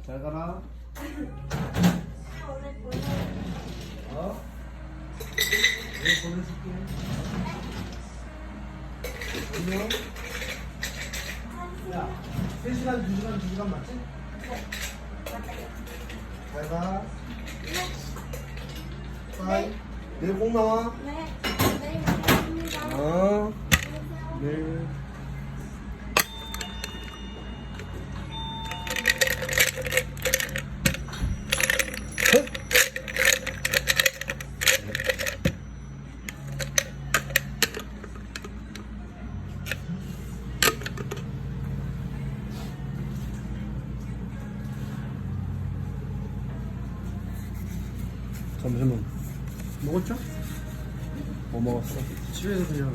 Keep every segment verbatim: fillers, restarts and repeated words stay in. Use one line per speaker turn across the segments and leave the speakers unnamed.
잘 가라.
오늘 보내.
어? 내일 보내줄게. 안녕. 야, 세 시간, 두 시간, 두 시간 맞지? 잘 가. 빠이. 내일 꼭 나와.
네. 내일 뵙겠습니다.
어. 네. 점심은
먹었죠?
뭐 먹었어?
집에서 그냥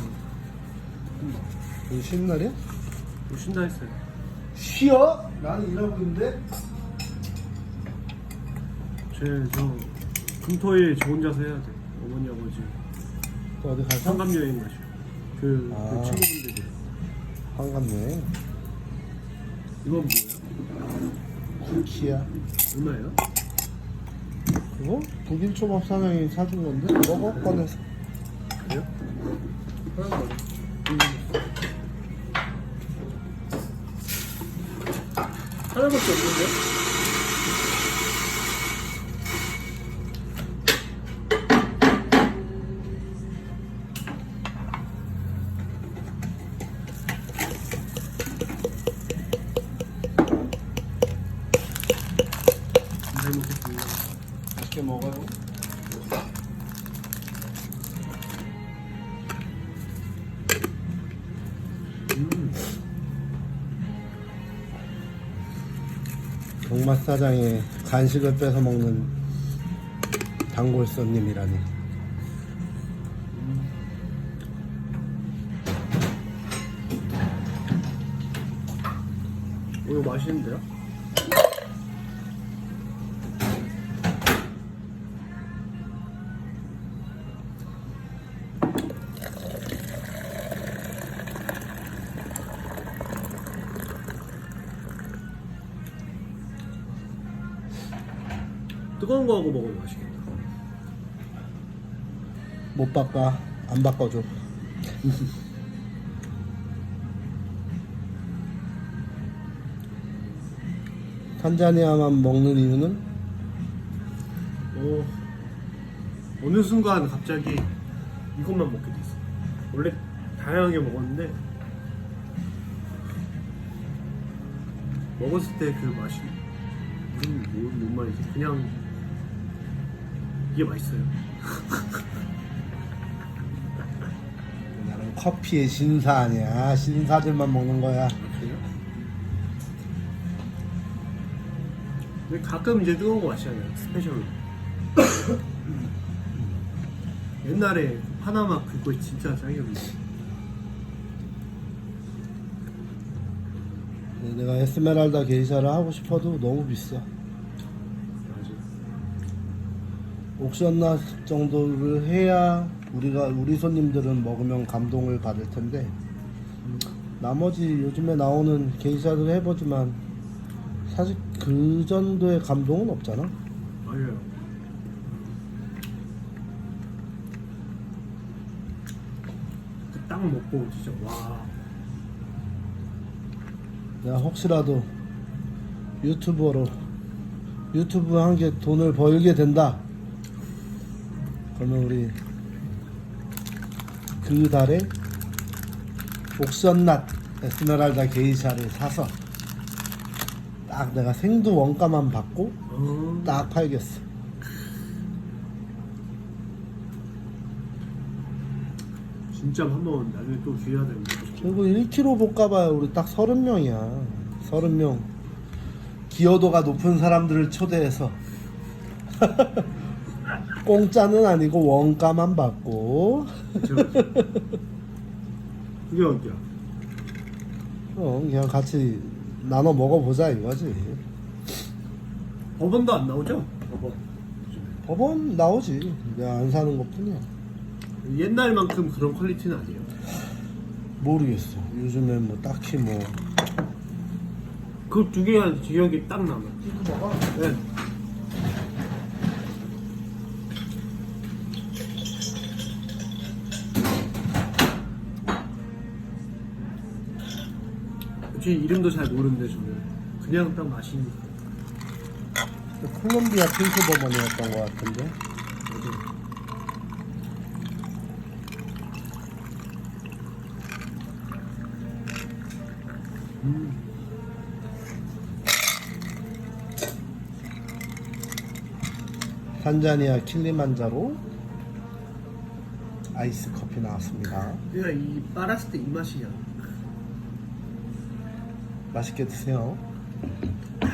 오늘 쉬는 날이야?
뭐 쉰다 했어요.
쉬어? 나는 일하고 있는데.
제저 금토일 저 혼자서 해야 돼. 어머니 아버지
또 어디 갈까?
상감 여행 가죠. 그,
아.
그 친구분들이.
한갑여행.
이건 뭐예요?
굴키야.
얼마예요?
그거? 북일초밥 사장이 사준 건데? 먹어? 꺼내서.
그래요? 하나 더. 하나밖에 없는데? 잘 먹겠습니다.
맛있게 먹어요.
음.
경맛 사장이 간식을 뺏어 먹는 단골 손님이라니.
오, 이거 맛있는데요? 뜨거운 거하고 먹으면 맛있겠다.
못 바꿔. 안 바꿔줘. 탄자니아만 먹는 이유는?
어, 어느 순간 갑자기 이것만 먹게 됐어. 원래 다양하게 먹었는데 먹었을 때 그 맛이 무슨 뭐, 뭔 말이지? 그냥 이게 맛있어요.
나는 커피의 신사 아니야. 신사들만 먹는 거야.
그래요? 근데 가끔 이제 뜨거운 거 마시잖아요. 스페셜로. 옛날에 파나마 그거 진짜 짱이었는데.
내가 에스메랄다 게이샤를 하고 싶어도 너무 비싸.
맞아.
옥션낫 정도를 해야 우리가 우리 손님들은 먹으면 감동을 받을 텐데 나머지 요즘에 나오는 게이샤를 해보지만 사실 그 정도의 감동은 없잖아.
맞아요. 그 딱 먹고 진짜 와.
내가 혹시라도 유튜버로 유튜브 한 게 돈을 벌게 된다 그러면 우리 그 달에 옥션낫 에스메랄다 게이샤를 사서 딱 내가 생두 원가만 받고
어.
딱 팔겠어.
진짜 한번 나중에 또 기회가 되면
그리고 일 킬로그램 볶아봐야 우리 딱 서른 명이야. 서른 명 기여도가 높은 사람들을 초대해서 공짜는 아니고 원가만 받고
그쵸? 그게 어디야?
어, 그냥 같이 나눠 먹어보자 이거지.
법원도 안 나오죠? 법원.
법원 나오지. 내가 안 사는 것 뿐이야.
옛날만큼 그런 퀄리티는 아니에요.
모르겠어. 요즘엔 뭐 딱히 뭐
그 두 개가 기억이 딱 남아.
이거 먹어.
네. 솔직히 이름도 잘 모르는데 저는 그냥 딱 맛있니까.
콜롬비아 핑크버번이었던 것 같은데.
음.
탄자니아 킬리만자로 아이스 커피 나왔습니다.
그냥 이 빨았을 때 이 맛이야.
맛있게 드세요.